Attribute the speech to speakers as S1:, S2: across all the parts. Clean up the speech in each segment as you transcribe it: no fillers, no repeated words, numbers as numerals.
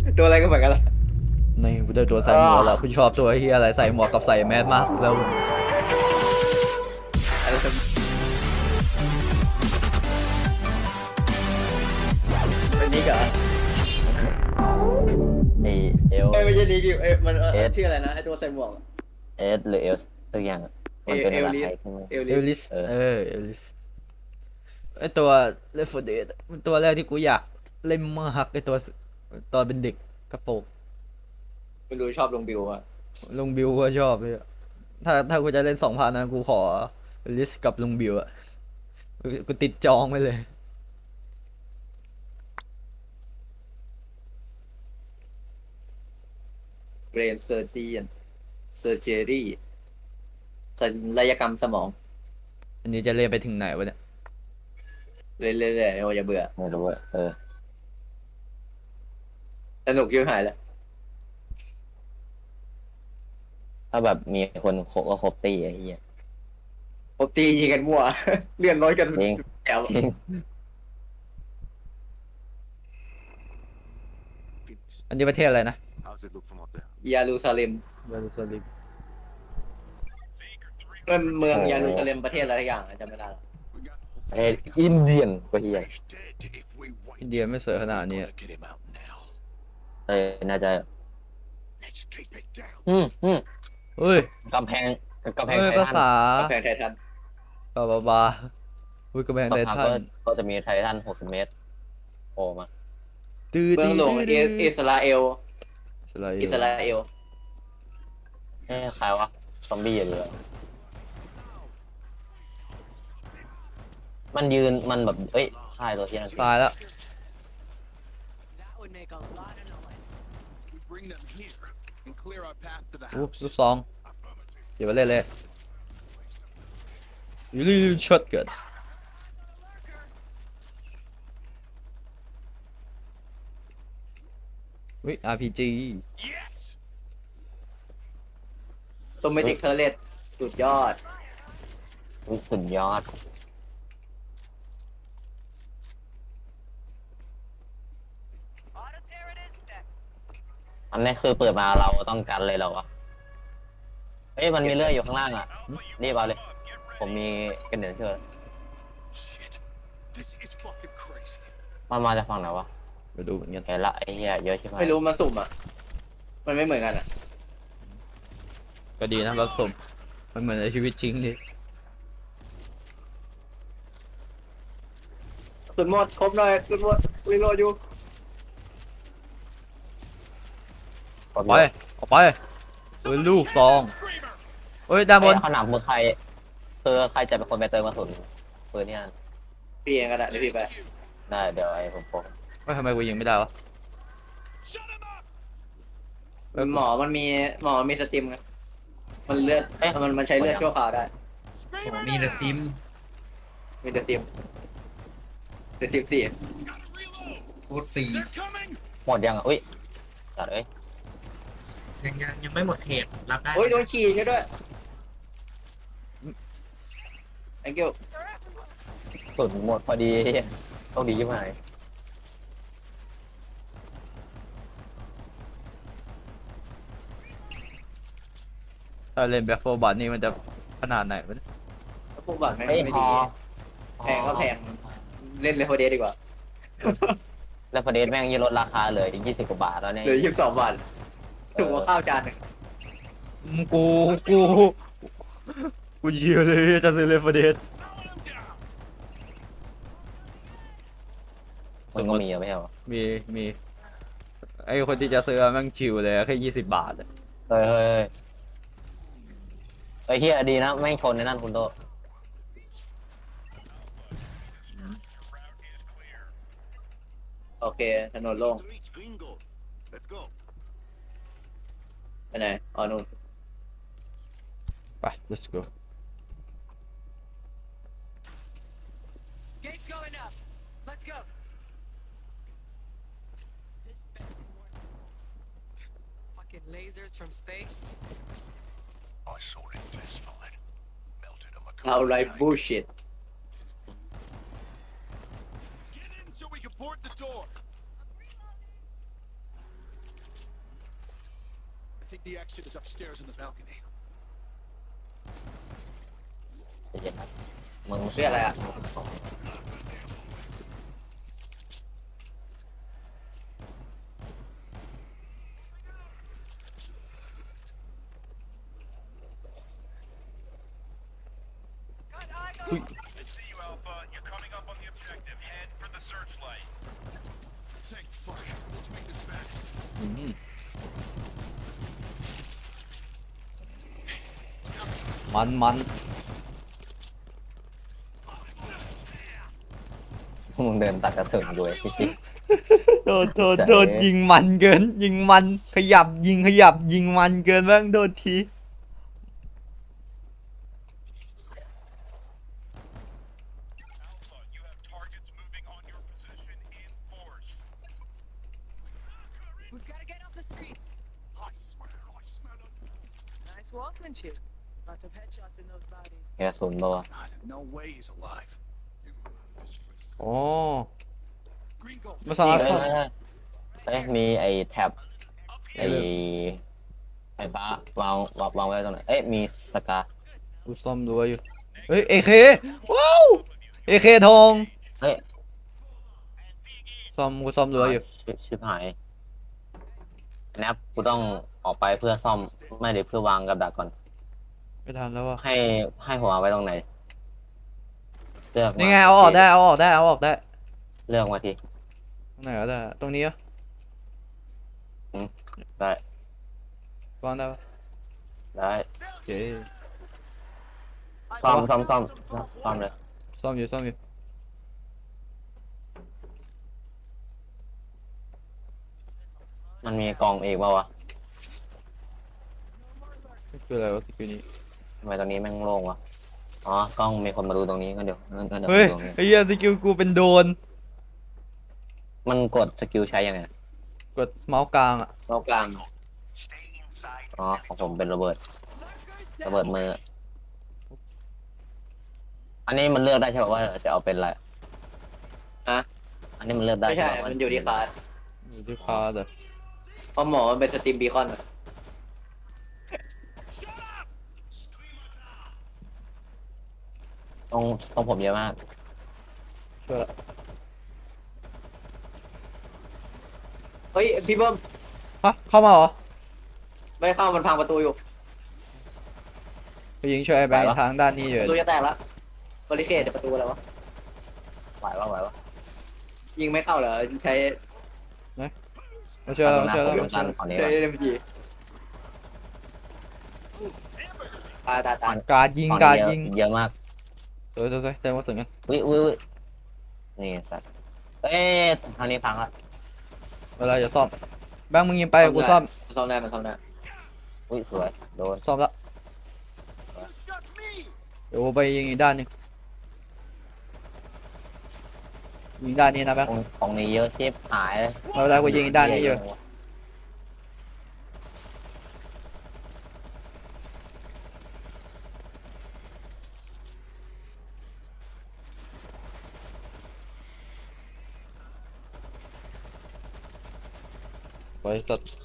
S1: ตัวอะไรก็เหมือนกันละ
S2: ในกูได้ตัวใส่หมวกแล้วกูชอบตัวเฮียอะไรใส่หมวกกับใส่แมสมากแล้ว
S1: อะไรเป็นนิกเหรอ
S3: ไอเอล
S1: ไม่ใช่นิกดิมัน
S3: เอส
S1: ชื่ออะไรนะไอตัวใส่หมวก
S3: เอสหรือเอลสักอย่างมันเป็นภาษาไทยใช่ไหม
S1: เอลลิส
S2: เอลลิสเอลลิสไอตัวเลฟเดดมันตัวแรกที่กูอยากเล่นมากไอตัวตอนเป็นเด็กกระโปรง
S1: ไม่รู้ชอบลงบิวอะ
S2: ลุงบิวก็ชอบเลยถ้ากูจะเล่น2,000นะกูขอลิสกับลุงบิวอะกูติดจองไปเลย
S1: เบรนเซอร์จีนเซอร์เจอรี่ศัลยกรรมสมอง
S2: อันนี้จะเล่นไปถึงไหนวะเนี่ย
S1: เรื่อยๆอย่าเบื่อ
S3: ไม่รู้อะ
S1: สนุกยิ่งหายแล้ว
S3: ถ้าแบบมีคนครบก็ครบตีไอ้เหี้ย
S1: ปกตียิงกันมั่วเลื่อนร้อยกัน
S3: จริง
S1: แถว
S3: จริง
S2: อันนี้ประเทศอะไรนะ
S1: ยารูซาเล็ม
S2: เยรูซาเล็ม
S1: เป็นเมือง
S3: โอ้
S1: ยารูซาเล็มประเทศอะไรทุกอย่างจำไม่ได้
S3: ประเทศอินเดียนก็เหี้ย
S2: อินเดียไม่สวยขนาดนี้
S3: น่าจะอืม
S2: เฮ้ย
S3: กำแพงกำแพง
S2: เฮ้ย
S3: ไททัน
S2: ภาษา
S1: แพงไททัน
S2: บาอุ้ยกระแพง
S3: สัก
S2: ไท
S3: พัก
S2: ทัน
S3: ก็จะมีไททัน60 เมตรโผล่มา
S1: เมืองหลวงอิสราเอล
S2: อิสราเอ
S1: อิส
S2: ล
S1: ราเอล
S3: ใครวะซอมบี้หรือมันยืนมันแบบเอ้ยค่ายตัวที่นั่น
S2: ตายแล้ว
S4: That would make a lot of noise.
S5: We bring them here and clear our path to the
S2: อู้
S5: house.
S2: ลูกซองเดี๋ยวมาเล่นเลยยูรีช็อตเกิดอุ้ย RPG
S5: Yes.
S1: ตัวเมจิกเทอร์เลตสุดยอด
S3: สุดยอด
S4: Auto tear it is next.
S3: อันนี้คือเปิดมาเราต้องกันเลยเหรอวะเฮ้ยมันมีเลื่อยอยู่ข้างล่างอ่ะรีบเอาเลย ผมมีกันเดือนเชื่อ
S5: Shit. This is fucking crazy.
S3: มันมาจากฝั่งไหนวะ
S2: ไปดูเหมือนกัน
S3: เห็นละไอ้เหี้ยเยอะใช่ไหม
S1: ไม่รู้มันสุ่มอ่ะมันไม่เหมือนกันอ่ะ
S2: ก็ดีนะรับสมมันเหมือนในชีวิตจริงดิ
S1: สุดหมดครบหน่อยสุดหมดรีโหลดอยู่
S2: ออกไปออกไปเฮ้ยลูกซองเฮ้ยด้านบ
S3: เฮ้ย
S2: น
S3: ขนาดมือใครคือใครจะเป็นคนไปเติมกระสุนปืนเนี่ย
S1: พี่เองก็ได้เดี๋ยวพี่ไป
S3: ได้เดี๋ยวไอ้ผมโป
S2: เฮ้ยทำไมกูยิงไม่ได้วะ
S5: Shut him up.
S1: หมอมันมีสตรีมไงมันเลือดมันใช้เลือดชั่วคราวได้
S5: Screamer
S6: มีเดอะ
S5: now.
S6: ซิม
S1: มีสตรีมสี่
S5: Gotta reload.
S6: โคตรฟรี
S5: They're coming.
S3: หมดยังอ่ะอุ้ยจัดเอ้ย
S6: ยังไม่หมดเขตรับได้
S1: โอ้ยโดนขี่ใช่ด้วย thank you
S3: สุดหมดพอดีต้องดีใช่ไหม
S2: ถ้าเล่นแบ็คโฟบัตนี่มันจะขนาดไหนวะเนี่ย
S1: แล้วพวกบัตรแม่ง
S3: เฮ้ย
S1: ไม่
S3: พ
S1: ดี
S3: อ
S1: แพงก็แพงเล่นเลยโฮเดสดีกว่า
S3: แล้วประเด็นแม่งยี่ลดราคาเลยถึง20 กว่าบาทแล้วเนี่ย
S1: เหลือ22 บาทถูกกว่าข้าวจานหนึ่ง
S2: กูกูเชียร์เลยจะซื้อเลฟเดส
S3: มันก็มีอะไม่ใช่เหรอ
S2: มีไอคนที่จะซื้อแม่งชิวเลยแค่20 บาทอะ
S3: เฮ้ยไอ้เฮียดีนะไม่งชนในนั่นคุณโต
S1: โอเคถนนโล่ง
S5: To reach Green Gold. Let's go.
S1: ไปไหนอ๋อนู่น
S2: ไป let's go
S4: Gates going up. Let's go. This better be worth it. Fucking lasers from space.
S5: I saw it classified. Melted on my
S1: เอาไรบูชิต
S5: Get in so we can board the door. The exit is upstairs in the balcony.
S3: ใจเย็นครับมึง
S1: เรื่องอะไรอ่ะ
S5: I see you, Alpha. You're coming up on the objective. Head for the searchlight. Thank fuck. Let's make this fast.
S2: อืมมัน
S3: มึงเดินตัดกระสุนด้วยจริง
S2: โดนยิงมันเกิน ยิงมันขยับยิงมันเกินบ้างโดนที
S5: Alpha, you have targets moving on your position in force.
S4: We've got to get off the streets.
S5: I swear, I smell it.
S4: Nice workmanship. Lot of headshots in those bodies.
S3: ๆกระสุนป่าวะ
S5: God, no way he's alive.
S2: อ๋อ
S5: Green gold.
S2: ไม่สามารถ
S3: เอ้ยมีไอ้แท็บไอ้ไฟฟ้าวางไว้ตรงไหนเอ้ยมีสกา
S2: กูซ่อมรั้วอยู่ เฮ้ย AK ว้าว AK ทอง
S3: เฮ้ย
S2: กูซ่อมรั้วอยู่
S3: ชิบหายแนบกูต้องออกไปเพื่อซ่อมไม่เดี๋ยวเพื่อวางกับดักก่อน
S2: ไม่ทันแล้วว่ะ
S3: ให้หัวไว้ตรงไหนเลือกมา
S2: นี่ไงเอาออกได้
S3: เลือกมาที
S2: ตรงไหนก็ได้ ตรงนี้เหรอ
S3: ได้
S2: วางได้ปะ
S3: ได้
S2: โอเค
S3: ซ่อมเลย
S2: ซ่อมอยู่
S3: มันมีกล่องอีกเปล่าวะ
S2: คืออะไรวะสกิลนี้
S3: ทำไมตรงนี้แม่งโล่งวะอ๋อกล้องมีคนมาดูตรงนี้งั้นเดี๋ยว
S2: เฮ้ย
S3: ดูตรงนี้
S2: ไอ้เหี้ยสกิลกูเป็นโดน
S3: มันกดสกิลใช้ยังไง
S2: กดเมาส์กลางอ่ะ
S1: เรากลาง
S5: Stay inside.
S3: อ๋อของผมเป็นระเบิดมือ อันนี้มันเลือกได้ใช่ป่ะว่าจะเอาเป็นอะไร
S1: ฮะ
S3: อันนี้มันเลือกได้
S1: ไม่ใช่
S3: ป่ะว่า
S1: มันอยู่ที่คลาส
S2: อยู่ที่คาร์ดอะ
S1: เพราะหมอมันเป็นสตรีมบีคอนอะ
S3: ตรงผมเยอะมาก
S2: ช่วยละ
S1: เฮ้ยพี่เบิ้ม
S2: ฮะเข้ามาเหรอ
S1: ไม่เข้ามันพังประตูอยู่
S2: ไปยิงช่วยไอ้แบง
S3: ไป
S2: ค์
S3: วะ
S2: ทางด้านนี้อยู่
S1: ประตูจะแตกแล้วบริเคดประตูอะไรวะ
S3: ไหวปะ
S1: ยิงไม่เข้าเหรอใช้
S2: มาช่วยแล้ว
S3: ผมตันฝั่งนี้
S1: ใช้
S3: ก่อน
S1: SMG ตาย
S2: การยิง
S3: ฝั่ง
S2: การ
S3: นี้
S2: ยิง
S3: เยอะมาก
S2: สวยเต็มกระสุนกัน
S3: วินี่สัตว์เอ้ยทางนี้พังละ
S2: เวลาจะซ่อมแบงค์มึงยิงไปกูซ่อม
S1: ซ่อมได้มันซ่อมได้
S3: อุ้ยสวยโดน
S2: ซ่อมละเดี๋ยวกูไปยิงอีกด้านหนึงยิงด้านนี้นะแบงค์
S3: ของนี้เยอะชิบหายเลย
S2: ไม่เป็นไรกูยิงอีกด้านนี้อยู่ ไว้สัตว์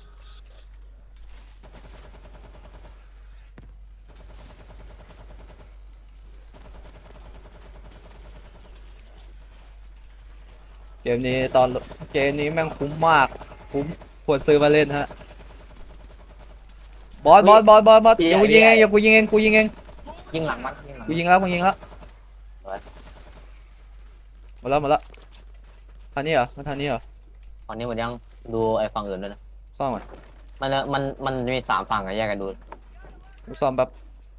S2: เกมนี้แม่งคุ้มมาก คุ้มควรซื้อมาเล่นฮะ บอสเดี๋ยวกูยิงเองกูยิงเอง
S3: ยิงหลังมัน
S2: กูยิงแล้วหมดแล้วทางนี้เหรอทางนี้เหรอ
S3: ตอนนี้มันยังดูไอ้ฝั่งอื่นด้วยนะ
S2: ซ่อมก่อน
S3: มันมี3 ฝั่งอะแยกกันดู
S2: กูซ่อมแบบ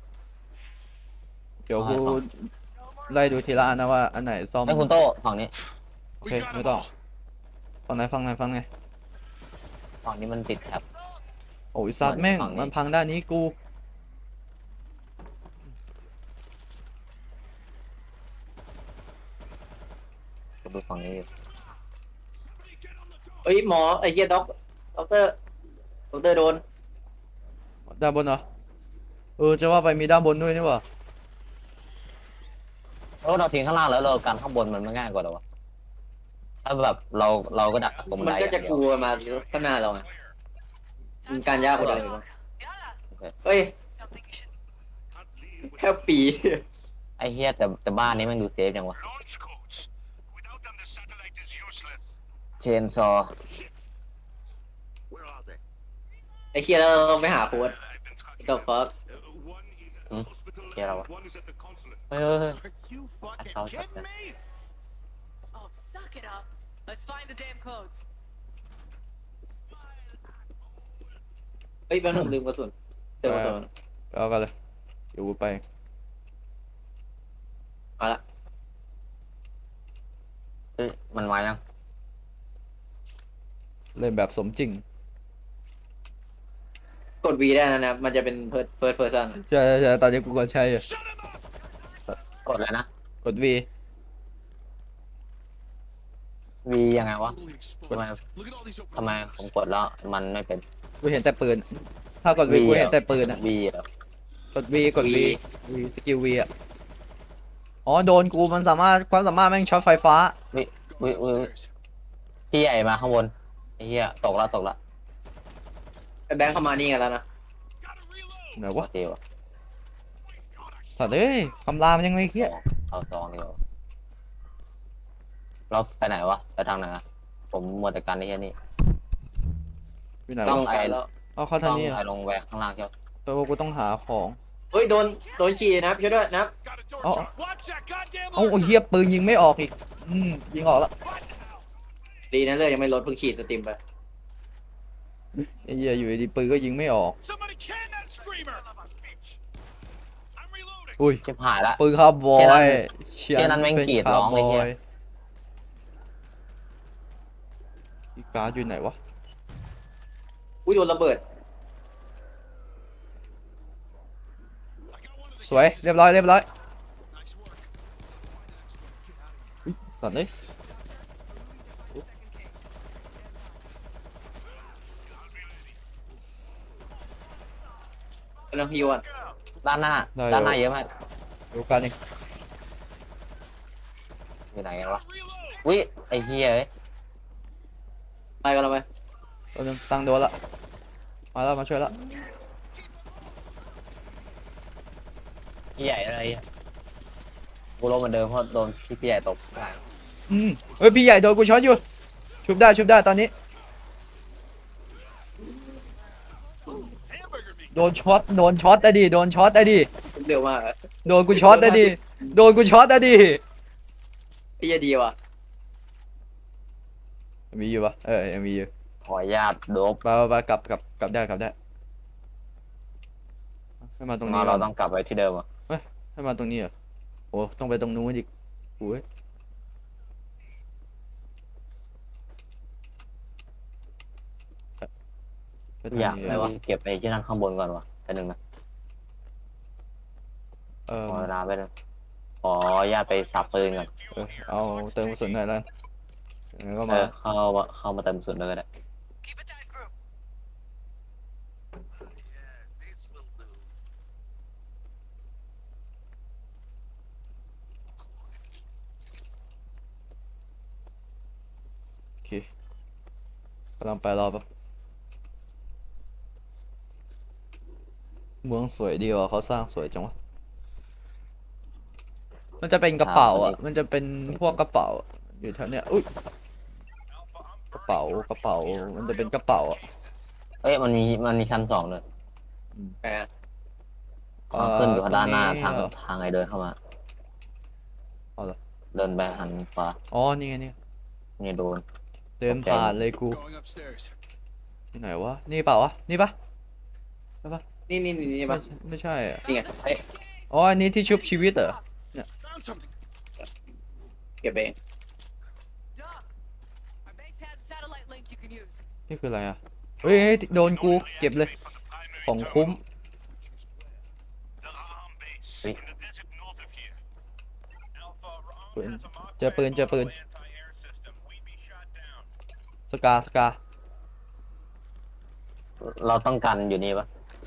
S2: เดี๋ยวกูไล่ดูทีละอันนะว่าอันไหนซ่อม
S3: ไอ้คุณโต้ฝั่งนี้
S2: โอเคไม่ต้องฟังไหน
S3: ฝั่งนี้มันติดแท็บ
S2: โอ้ยซัดแม่ง
S3: ฝั่งนี้
S2: มันพังด้านนี้กู
S3: ดูฝั่งนี้อยู่
S1: เฮ้ยหมอไอ้เหี้ยด็อกเตอร์โดน
S2: ด้านบนเหรอจะว่าไปมีด้านบนด้วยนี่หว่า
S3: แล้วเราทิ้งข้างล่างแล้วเรากันข้างบนมันไม่ง่ายกว่าหรอวะถ้าแบบเราก็ดักตรงบัน
S1: มัน
S3: ได
S1: ก็
S3: อ
S1: จะ
S3: ย่างเดี
S1: ก
S3: ยว
S1: ลัวมาข้างหน้าเราไงมันการยากกว่าเดิมอีกวะเฮ้ย
S5: Can't leave
S1: แค่ปี
S3: ไอ้เฮียแต่บ้านนี้มันดูเซฟจังวะ
S5: launch codes. Without them, the satellite is useless.
S3: เชนซอ
S5: Where are they?
S1: ไอ้เคียแล้วเราไม่หาโค้ด
S5: I've been tracking
S1: the
S5: them.
S1: fuck
S5: One is at
S3: Hmm?
S5: the hospital,
S3: Yeah,
S5: and
S3: what?
S5: one is at the consulate.
S3: เฮ้ย
S5: Are you fucking
S3: That's how
S5: kidding me?
S4: Oh, suck it up. Let's find the damn codes.
S1: เฮ้ยแป๊บนึงลืมกระสุนเจอกระสุน
S2: เอากันเลยเดี๋ยวกูไป
S1: มาละ
S3: เฮ้ยมันมายัง
S2: เล่นแบบสมจริง
S1: กด V ได้นะนะมันจะเป็นเพิร์ดเพอร์ซัน
S2: ใช่ใช่ใช่ตอนนี้กูก็ใช้อยู่
S5: Shut him up!
S3: กดเลยนะ
S2: กด V
S3: วียังไงวะ
S5: Totally
S3: Come on.
S5: exposed. Look at all these open
S3: ทำไม
S5: windows.
S3: ผมกดแล้วมันไม่เป็น
S2: กูเห็นแต่ปืน ถ้ากด V กูเห็นแต่ปืนอะ
S3: วีเหรอก
S2: ด V กด V สกิล V อะอ๋อโดนกูมันสามารถความสามารถแม่งช็อตไฟฟ้า
S3: วิ
S5: Go
S3: วิวิ
S5: upstairs.
S3: พี่ใหญ่มาข้างบนไอ้เหี้ยตกละ
S1: ไอ้แบงค์เข้ามานี่กันแล้วนะ
S5: Gotta reload.
S2: ไหน
S3: โอ
S2: วะ
S3: เควะ
S2: สัตว์เอ้ยคำรามนยังไงเฮีย
S3: เอาซองดีกว่าเราไปไหนวะไปทางไหนอะผมหมดแต่การที่แค่นี้
S2: อยู่ไหน
S3: ต้
S2: วะ
S3: อง
S1: ไปแล้ว
S2: เอาเข้า
S3: ต้
S2: ทา
S3: อง ง
S2: นี้
S3: ไป
S2: อะ
S3: ลงแหวกข้างล่างใช่ไหม
S2: แปลว่ากูต้องหาของ
S1: เฮ้ยโดนขี่นะช่วยด้วยนะ
S5: Got a door
S2: Oh.
S5: shut. Watch that goddamn
S2: เอ้าไอ้เฮียปืนยิงไม่ออกอีก ยิงออกแล้ว
S1: ดีนะเลยยังไม่ลดเพิ่งขีดสตรีมไป
S2: ไอ้เฮียอยู่ดีๆปืนก็ยิงไม่ออก
S5: Somebody can that screamer. I'm reloading.
S2: อุ้ย
S3: ชิบหายละ
S2: ปืนคาร์บอ
S3: เชี่ยนั้น
S2: ย
S3: เชี่ยนั้นแม่งกรีดร้องเลยเหี้ย
S2: อีกการ์ดอยู่ไหนวะ
S1: อุ้ยโดนระเบิด
S5: I got one of the
S2: สวย
S5: cases.
S2: เรียบร้อย
S5: Nice work. Let's find the next one. Get out of here.
S2: สัตว์เลย
S4: Second case.
S1: กำลังฮิวอ่ะ
S3: ด้านหน้า
S2: ได้
S3: ด้านหน้าเยอะมาก
S2: ดูกันนี่
S3: อยู่ไหนกันวะ
S5: Reload.
S3: วิไอ้เหี้ยเอ้ย
S1: ไปกันเราไป
S2: ตัวนึงตั้งโดนละ มาแล้วมาช่วยแล้ว
S3: พี่ใหญ่อะไรอะกูลงเหมือนเดิมเพราะโดนพี่ใหญ่ตบได้
S2: เฮ้ยพี่ใหญ่โดนกูช็อตอยู่ ชุบได้ตอนนี้
S5: Hamburger meat.
S2: โดนช็อตอะดิโดนช็อตอะดิ
S1: เร็วมากอะ
S2: โดนกูช็อตอะดิโดนกูช็อตอะดิ
S1: พี่จะดีว่ะ
S2: มีอยู่ปะยังมีอยู่
S3: ขออนุญาตโดบ
S2: ไปกลับได้ให้มาตรงนี้
S3: เรา
S2: ก่อน
S3: ต้องกลับไปที่เดิมอ่ะ
S2: ให้มาตรงนี้เหรอโอ้ต้องไปตรงนู้นอีกโอ้ยไปทาง
S3: อยาก
S2: นี้
S3: ไปเก็บไอ้ที่นั่นข้างบนก่อนวะแต่หนึ่งนะ
S2: เออ
S3: ขอเวลาไปเลยขออนุญาตไปสับปืนก่อน
S2: เอาเติมกระสุนหน่อยแล้วยังไงก็
S3: เอ
S2: มา
S3: อเข้ามาเติมส่วนเลยก็ได้
S2: โอเคกำลังไปรอปะเมืองสวยดีว่ะเขาสร้างสวยจังวะมันจะเป็นกระเป๋าอ่ะ มันจะเป็นพวกกระเป๋าอยู่แถวเนี้ยอุ้ยกระเป๋ามันจะเป็นกระเป๋าอ่ะ
S3: เอ้ยมันมีชั้นสองเลย
S1: แหม
S3: ทางขึ้นอยู่ด้านหน้า
S2: ตรงนี้
S3: ทาง
S2: เหรอ
S3: ทางไอเดินเข้ามา
S2: เอาเหรอ
S3: เดินไปหันขวา
S2: อ๋อนี่ไงนี่
S3: นี่โดน
S2: เดินผ่านเลยกู
S5: Going upstairs.
S2: ที่ไหนวะนี่เปล่าวะนี่ปะ
S1: นี่ปะ
S2: ไม่ใช่อ่ะ
S1: นี่ไงเฮ้ย
S2: อ๋ออันนี้ที่ชุบชีวิตเหรอ
S5: Found something.
S1: เก็บเอง
S4: Doc, our base has a satellite link you can use.
S2: นี่คืออะไรอ่ะเฮ้ยโดนกูเก็บเลย ของคุ้ม
S5: The Raham base
S3: Wait.
S5: in the desert north of here. Alpha, Raham
S2: ปืน
S5: has a marked
S2: เจอปืน
S5: anti-air system. We'd be shot down.
S2: สกา
S3: เราต้องกันอยู่นี่ปะ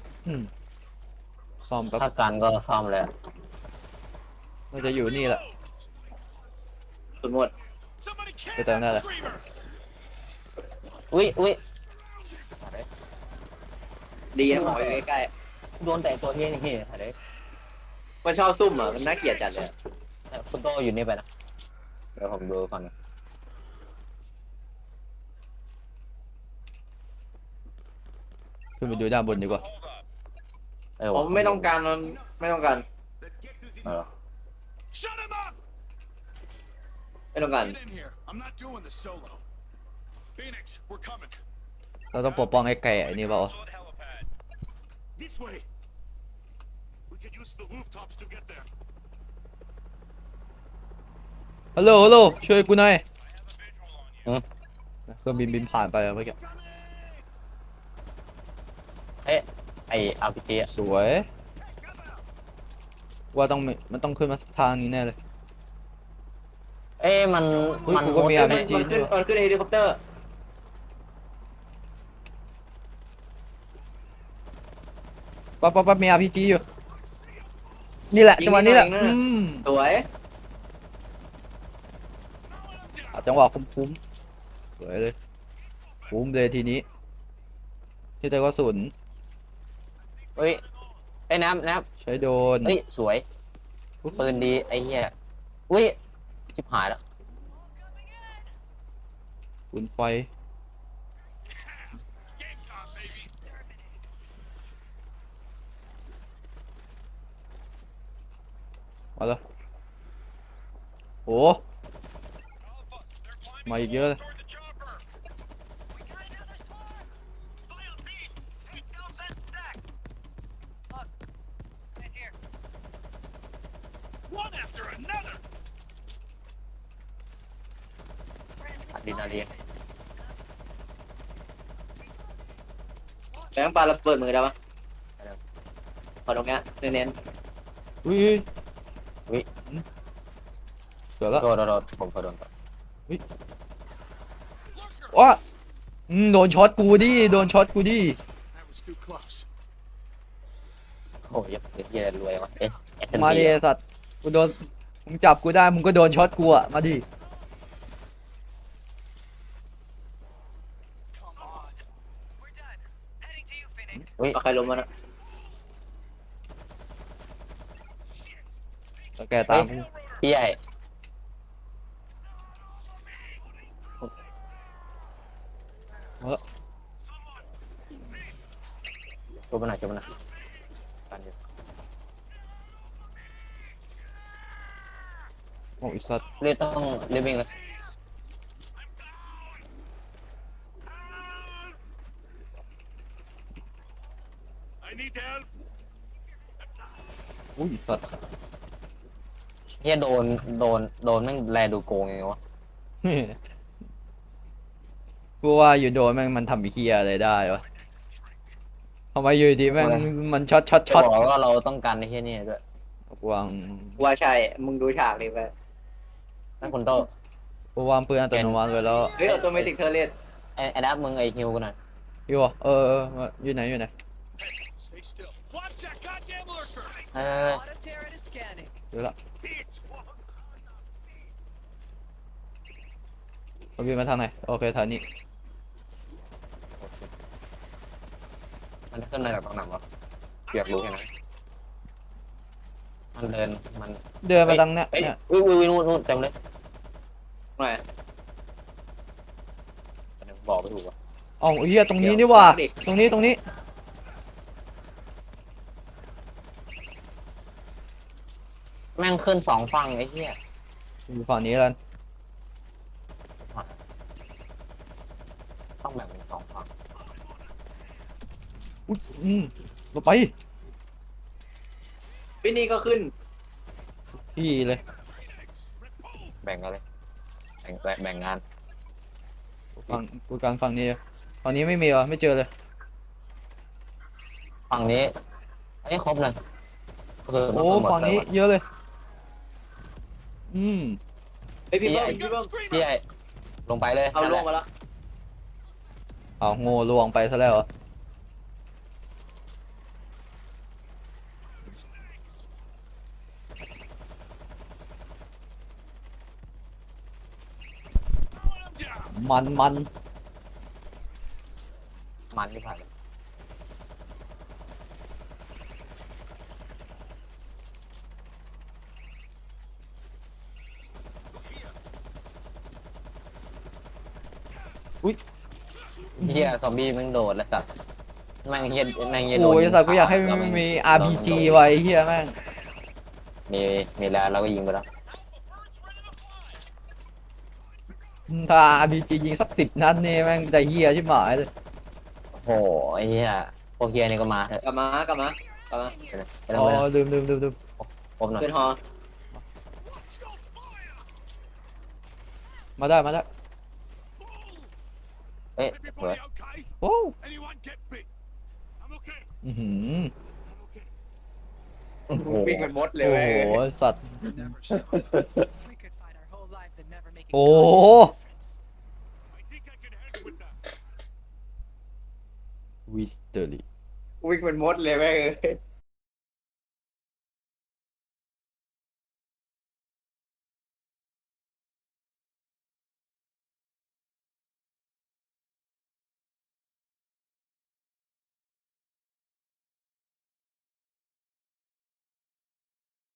S2: ซ่อมแป๊บ
S3: ถ้ากันก็ซ่อมเลยอะ
S2: เราจะอยู่นี่แหละ
S1: สุดหมด
S5: Somebody can
S2: Put down
S5: that
S2: that.
S5: screamer.
S3: อุ้ย
S1: ดีนะหมออยู่ใกล้
S3: โดนแต่ตัวเฮี้ยนี่เฮี้ยอะไร
S1: มันชอบซุ่มอ่ะมันน่าเกลียดจัดเลยอะ
S3: คุณโตอยู่นี่ไปนะเดี๋ยวผมดูก่อนนะ
S2: ขึ้นไปดูด้านบนดีกว่า
S1: ผมไม่ต้องการมันไม่ต้องการ
S5: Let's get this
S3: เอ
S5: in.
S3: อ
S5: Shut him up!
S1: ไม่ต้องการ
S5: Get in here. I'm not doing this solo. Phoenix, we're coming.
S2: เราต้องปกป้องไอ้ไก่ไอ้นี่เปล่า
S5: This way. We could use the rooftops to get there.
S2: ฮัลโหลฮัลโหลช่วยกูหน่อย
S3: อืม
S2: เครื่องบินผ่านไปอะเมื่อกี้
S3: เอ๊ะไออาร์พีจีอะ
S2: สวย ว่าต้องมันต้องขึ้นมาสักทางนี้แน่เลย
S3: เอ๊ะมัน
S2: เฮ้ย
S3: มัน
S2: กูก็มี
S3: มุด
S2: RPG
S1: มันขึ้นเฮลิคอปเตอร์
S2: ปั๊บมี RPG อยู่ นี่แหละจังหวะนี้แหละ
S1: ยิงไม่ได้นะ สวย
S2: เอาจังหวะคุ้มๆสวยเลยคุ้มเลยทีนี้ ที่แต่ก็สุน
S3: เฮ้ยไอ้น้ำ
S2: ใช้โดน
S3: เฮ้ยสวยปืนดีไอ้เหี้ยอุ้ยชิบหายแล้ว
S2: ปืนไฟ
S5: Game time, baby.
S2: มาแล้วโอ้มาอีกเยอะเลย
S5: Toward the chopper. We got another squad. File beat. Take down that stack.
S4: Look. Right here.
S5: One after another.
S3: อะดรีนาลีน
S1: แบงค์ปลาระเบิดมือได้ปะขอตรงเนี้ยเน้น
S2: อุ้ยเกิดแล้ว
S3: โดนผมโดนก่อน
S2: ว้าโดนช็อตกูดิโดนช็อตกูดิ
S5: That was too close.
S3: โอ้ยเหี้ยรวยวะเอส
S2: มาดิไอ้สัตว์กูโดนมึงจับกูได้มึงก็โดนช็อตกูอะมาดิ
S4: Come on. We're done. Heading to you, Phoenix.
S3: อุ้ย
S1: ๆเอาใครลงมานะ
S2: แล้วแกตามกู
S3: พี่ใหญ่
S2: เออ
S3: ช่วยมันหน่อยกันอยู่
S2: โอ้ยสัตว์
S3: เรียกต้องเรียกวิ่งเลย
S5: I need help.
S2: อุ้ยสัตว์
S3: เฮียโดนแม่งแลดูโกงไงวะ
S2: กูว่าอยู่โดนแม่งมันทำไอ้เฮียอะไรได้วะทำไมอยู่ดีแม่งมันช็อต
S3: จะบอกว่าเราต้องการไอ้เฮียนี่ด้วย
S2: วาง
S1: ว่าใช่ มึงดูฉากนี้ไป
S3: นั่นคุณโต
S2: กูวางปืนอัตโนมัติไว้แล้ว
S1: เฮ้ยออโตเมติกเทอร์เลส
S3: ไอ้ดับมึงไอ้ฮิวกันหน่อย
S2: อยู่อ่ะอยู่ไหน
S5: Stay still. Watch that goddamn lurker.
S3: เออ
S4: Auto turret is scanning.
S2: อยู่ละ
S5: This one.
S2: เขาบินมาทางไหนโอเคทางนี้
S3: มันขึ้นมาจากตรงไหนวะอยากรู้แค่นั้นมันเดิน
S2: มาทางเนี้ย
S3: เฮ้ย
S2: เนี่ย
S3: อุ้ยนู่นเต็มเลย
S1: หน่อย
S3: บอกไม่ถูกว่ะ
S2: อ๋อเฮียตรงนี้นี่ว่าตรงนี้
S3: แม่งขึ้นสองฝั่งไอ้เหี้ย
S2: อยู่ฝั่งนี้แล้ว
S3: ต้องแบ่งเป็นสองฝั่ง
S2: อุ้ยเราไป
S1: พี่นี่ก็ขึ้น
S2: พี่เลย
S3: แบ่งกันเลยแบ่งงาน
S2: กูกลางฝั่งนี้ฝั่งนี้ไม่มีวะไม่เจอเลย
S3: ฝั่งนี้ไอ้ครบเลยก็คือ
S2: โอ้ฝั่งนี้เยอะเลย
S1: เฮ้ยพี่
S3: พี่
S1: เบิ้
S3: ให
S1: ม
S3: ญ่
S1: พี่เบิ้ม
S3: พี่ใหญ่ลงไปเลย
S1: เอาลงมาแล้ว
S2: เอาโง่ลวงไปซะแล้วเหรอ มัน
S3: มันที่ผ่านเฮียซอมบี้แม่งโดดแล้วสัตว์แม่งเฮียโดน
S2: โอ้ยสัตว์กูอยากให้มันมี RPG ไว้เฮียแม่ง
S3: มีแล้วเราก็ยิงไปแล้ว
S2: ถ้า RPG ยิงสัก10 นัดนี่แม่งจะเฮียชิบหายเลย
S3: โอ้โหไอ้เฮียพวกเฮียนี่ก็มาเถอะ
S1: กลับมาไม่
S3: ไป
S1: ต้
S3: แล้
S2: อ๋
S3: ว
S2: อ
S3: ไปแล้ว
S2: ลืม
S3: พบหน่อย
S1: เป็นฮอ
S2: มาได้
S3: เอ้ยสวย
S5: Everybody okay?
S2: โอ้
S5: Anyone get bit? I'm okay.
S2: อื้อหือ
S5: I'm okay.
S3: โอ้โห
S1: วิ่งเป็นมดเลย
S2: โอ้
S1: เว้ย
S2: โหสัตว์
S4: Never show. We could fight our whole lives and never make a
S2: Oh.
S4: goddamn difference.
S5: I think I can help with that.
S2: วิสเตอรี่
S1: วิ่งเป็นมดเลยเว้ย